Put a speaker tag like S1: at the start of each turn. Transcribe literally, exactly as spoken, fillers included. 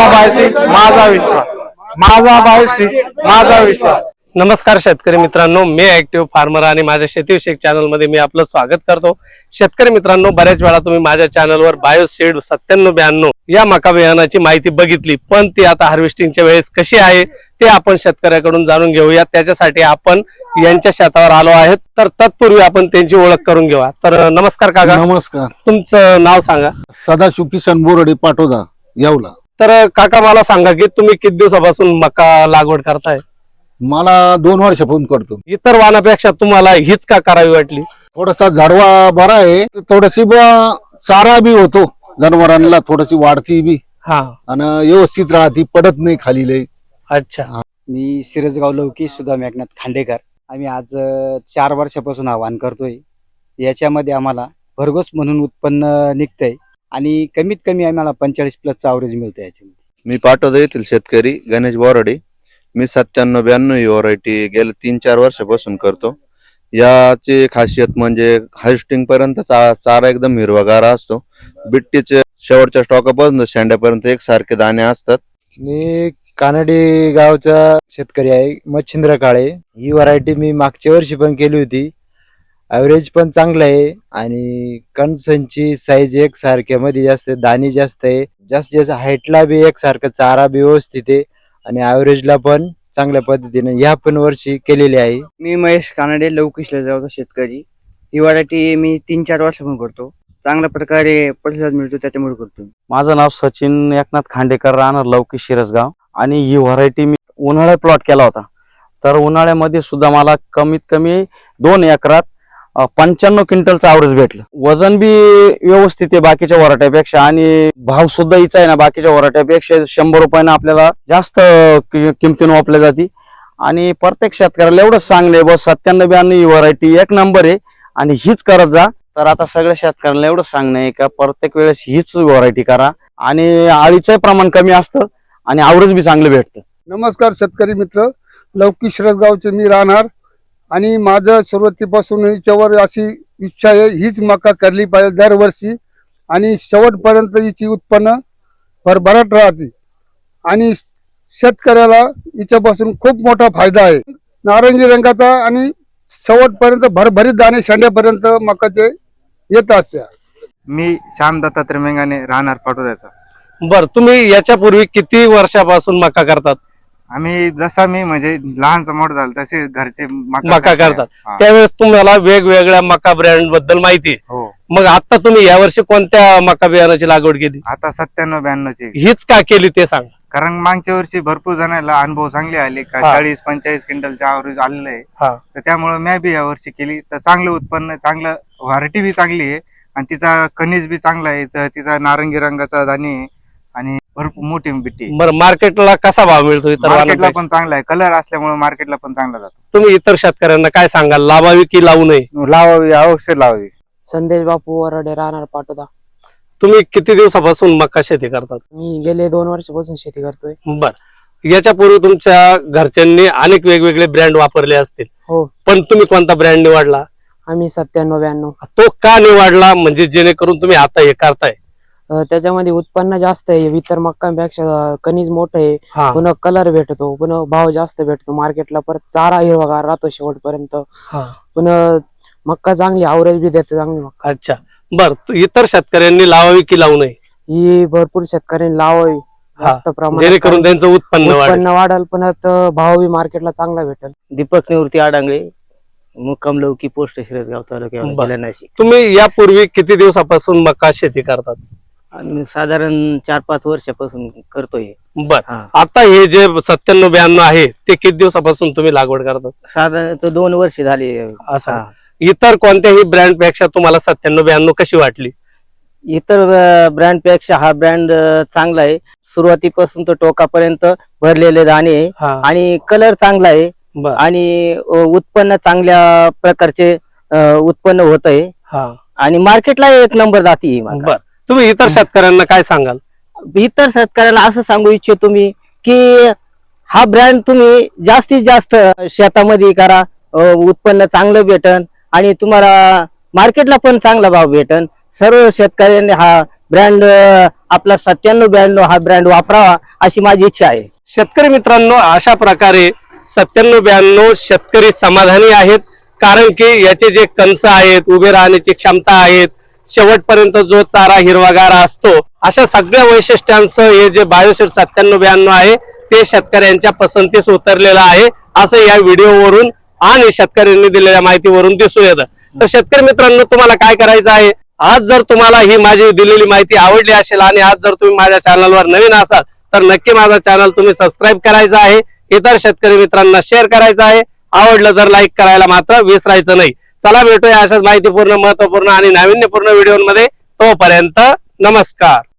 S1: माझा बायसी माझा विश्वास, माझा बायसी माझा विश्वास। नमस्कार शेतकरी मित्रांनो, मी ऍक्टिव्ह फार्मर आणि माझ्या शेतीविषयक चॅनल मध्ये मी आपलं स्वागत करतो। शेतकरी मित्रांनो, बऱ्याच वेळा तुम्ही माझ्या चॅनलवर बायोसीड सत्त्याण्णव ब्याण्णव या मका बियाणाची माहिती बघितली, पण ती आता हार्वेस्टिंगच्या वेळेस कशी आहे ते आपण शेतकऱ्याकडून जाणून घेऊया। त्याच्यासाठी आपण यांच्या शेतावर आलो आहेत, तर तत्पूर्वी आपण त्यांची ओळख करून घेऊया। तर नमस्कार काका।
S2: नमस्कार।
S1: तुमचं नाव सांगा।
S2: सदाशिव किसन बोरडे पाटोदा येवला।
S1: तर काका मला सांगा की तुम्ही किती दिवसापासून मका लागवड करताय?
S2: मला दोन वर्षापासून करतो।
S1: इतर वाणापेक्षा तुम्हाला हीच का करावी वाटली?
S2: थोडासा झाडवा बरा आहे, थोडीशी चारा बी होतो जनावरांना, थोडीशी वाढती बी
S1: हा
S2: आणि व्यवस्थित राहती, पडत नाही खाली लय।
S1: अच्छा।
S3: मी सिरसगाव लौकी सुद्धा मेघनाथ खांडेकर। आम्ही आज अ, चार वर्षापासून आव्हान करतोय। याच्यामध्ये आम्हाला भरघोस म्हणून उत्पन्न निघतंय आणि कमीत कमी आम्हाला पंचेचाळीस प्लसचा ॲव्हरेज मिळतं याच्यामध्ये।
S4: मी पाटोदा येथील शेतकरी गणेश बोराडे। मी सत्त्याण्णव ब्याण्णव ही व्हरायटी गेल्या तीन चार वर्षापासून करतो। याची खासियत म्हणजे हार्वेस्टिंग पर्यंत चा, चारा एकदम हिरवागार असतो। बिट्टीचे शेवटच्या स्टॉकापासून शेंड्यापर्यंत एकसारखे दाणे असतात।
S5: मी कानडी गावचा शेतकरी आहे, मच्छिंद्र काळे। ही व्हरायटी मी मागच्या वर्षी पण केली होती, ॲव्हरेज पण चांगलं आहे आणि कणसांची साईज एक सारख्या मध्ये जास्त, दाणे जास्त आहे, जास्त जास्त हाईटला बी एकसारखं, चारा बी व्यवस्थित आहे आणि ॲव्हरेजला पण चांगल्या पद्धतीने या पण वर्षी केलेली आहे।
S3: मी महेश कानडे लौकी गावचा शेतकरी। ही व्हरायटी मी तीन चार वर्षापासून करतो, चांगल्या प्रकारे प्रतिसाद मिळतो त्याच्यामुळे करतो।
S6: माझं नाव सचिन एकनाथ खांडेकर, राहणार लौकी शिरसगाव। आणि ही व्हरायटी मी उन्हाळ्यात प्लॉट केला होता, तर उन्हाळ्यामध्ये सुद्धा मला कमीत कमी दोन एकरात पंच्याण्णव क्विंटलचं ॲव्हरेज भेटलं। वजन बी व्यवस्थित आहे बाकीच्या वराट्यापेक्षा आणि भाव सुद्धा हिचा आहे ना बाकीच्या वराट्यापेक्षा शंभर रुपयानं आपल्याला जास्त किमतीनं वापरली जाते। आणि प्रत्येक शेतकऱ्याला एवढंच सांगणे बस सत्त्याण्णव ब्याण्णव ही व्हरायटी एक नंबर आहे आणि हीच करत जा। तर आता सगळ्या शेतकऱ्यांना एवढंच सांगणं आहे का प्रत्येक वेळेस हीच व्हरायटी करा आणि आळीचं प्रमाण कमी असतं आणि ॲव्हरेज बी चांगलं भेटतं।
S7: नमस्कार शेतकरी मित्र, लौकी शिरसगावचे मी राहणार आणि माझं सुरुवातीपासून हिच्यावर अशी इच्छा आहे, हीच मका करली पाहिजे दरवर्षी आणि शेवटपर्यंत हिची उत्पन्न भरभराट राहते आणि शेतकऱ्याला हिच्यापासून खूप मोठा फायदा आहे। नारंगी रंगाचा आणि शेवटपर्यंत भरभरीत दाणे शेंड्यापर्यंत मकाचे येत असते।
S8: मी श्याम दत्तात्रय मेंगाने, राहणार पाटोद्याचा।
S1: बर, तुम्ही याच्यापूर्वी किती वर्षापासून मका करतात?
S8: आम्ही जसा मी म्हणजे लहानचा मोठा झाला तसे घरचे
S1: मका करतात, त्यावेळेस तुम्हाला वेगवेगळ्या मका ब्रँड बद्दल माहिती आहे।
S8: हो।
S1: मग आता तुम्ही यावर्षी कोणत्या मका बियाणाची लागवड केली?
S8: आता सत्त्याण्णव ब्याण्णव ची।
S1: हीच का केली ते सांग।
S8: कारण मागच्या वर्षी भरपूर जणांना अनुभव चांगले आले का चाळीस पंचेचाळीस क्विंटलचे ॲव्हरेज आलेलं आहे, तर त्यामुळे मी बी या वर्षी केली। तर चांगलं उत्पन्न, चांगलं व्हरायटी बी चांगली आहे आणि तिचा कणीस बी चांगला आहे, तर तिचा नारंगी रंगाचा दाणे आहे आणि भरपूर मोठी बिट्टी।
S1: बरं, मार्केटला कसा भाव मिळतो? इतर
S8: मार्केटला पण चांगला आहे, कलर असल्यामुळे मार्केटला पण चांगला जातो।
S1: तुम्ही इतर शेतकऱ्यांना काय सांगाल, लावावी की लावू नये?
S8: लावावी, अवश्य लावावी।
S9: संदेश बापू वराडे, राहणार पाटोदा।
S1: तुम्ही किती दिवसापासून मका शेती करतात?
S9: मी गेले दोन वर्षापासून शेती करतोय।
S1: बर, याच्यापूर्वी तुमच्या घरच्यांनी अनेक वेगवेगळे ब्रँड वापरले असतील,
S9: हो,
S1: पण तुम्ही कोणता ब्रँड निवडला?
S9: आम्ही सत्त्याण्णव ब्याण्णव।
S1: तो का निवडला, म्हणजे जेणेकरून तुम्ही आता हे करताय?
S9: त्याच्यामध्ये उत्पन्न जास्त आहे, इतर मक्कांपेक्षा कणीस मोठं आहे,
S1: हा.
S9: पुन्हा कलर भेटतो, पुन्हा भाव जास्त भेटतो मार्केटला, परत चारा हिरवागार राहतो शेवटपर्यंत, पुन्हा मक्का चांगली ॲव्हरेज बी देते चांगली मक्का।
S1: अच्छा, बर, इतर शेतकऱ्यांनी लावावी की लावू नये?
S9: ही भरपूर शेतकऱ्यांनी लावावी जास्त प्रमाणात,
S1: जेणेकरून त्यांचं उत्पन्न
S9: उत्पन्न वाढेल, पुन्हा भाव बी मार्केटला चांगला भेटेल।
S3: दीपक निवृत्ती आडांगळे, मुक्काम लौकी, पोस्ट शिरसगाव, तालुका जिल्हा नाशिक।
S1: तुम्ही यापूर्वी किती दिवसापासून मका शेती करतात?
S3: आम्ही साधारण चार पाच वर्षापासून करतोय।
S1: बर, आता हे जे सत्त्याण्णव ब्याण्णव आहे ते किती दिवसापासून तुम्ही लागवड करतात?
S3: साधारण दोन वर्ष झाली।
S1: असं इतर कोणत्याही ब्रँड पेक्षा तुम्हाला सत्त्याण्णव ब्याण्णव कशी वाटली?
S3: इतर ब्रँड पेक्षा हा ब्रँड चांगला आहे, सुरुवातीपासून तो टोकापर्यंत भरलेले दाणे आणि कलर चांगला आहे आणि उत्पन्न चांगल्या प्रकारचे उत्पन्न होत आहे आणि मार्केटला एक नंबर जाती।
S1: बर, तुम्ही इतर शेतकऱ्यांना काय सांगाल?
S3: इतर शेतकऱ्याला असं सांगू इच्छितो मी की हा ब्रँड तुम्ही जास्तीत जास्त शेतामध्ये करा, उत्पन्न चांगलं भेटन आणि तुम्हाला मार्केटला पण चांगला भाव भेटन। सर्व शेतकऱ्यांनी हा ब्रँड आपला सत्त्याण्णव ब्याण्णव हा ब्रँड वापरावा अशी माझी इच्छा आहे.
S1: शेतकरी मित्रांनो, अशा प्रकारे सत्त्याण्णव ब्याण्णव शेतकरी समाधानी आहेत, कारण की याचे जे कणस आहेत, उभे राहण्याची क्षमता आहेत, शेवटपर्यंत जो चारा हिरवागार असतो, अशा सगळ्या वैशिष्ट्यांचं हे जे बायोसेट सत्त्याण्णव ब्याण्णव आहे ते शेतकऱ्यांच्या पसंतीस उतरलेलं आहे असं या व्हिडिओवरून आणि शेतकऱ्यांनी दिलेल्या माहितीवरून दिसून येतं. तर शेतकरी मित्रांनो, तुम्हाला काय करायचं आहे, आज जर तुम्हाला ही माझी दिलेली माहिती आवडली असेल आणि आज जर तुम्ही माझ्या चॅनलवर नवीन असाल तर नक्की माझा चॅनल तुम्ही सबस्क्राईब करायचा आहे, इतर शेतकरी मित्रांना शेअर करायचं आहे, आवडलं तर लाईक करायला मात्र विसरायचं नाही. चला भेटूया अशाच माहितीपूर्ण, महत्वपूर्ण आणि नाविन्यपूर्ण व्हिडिओमध्ये. तोपर्यंत नमस्कार.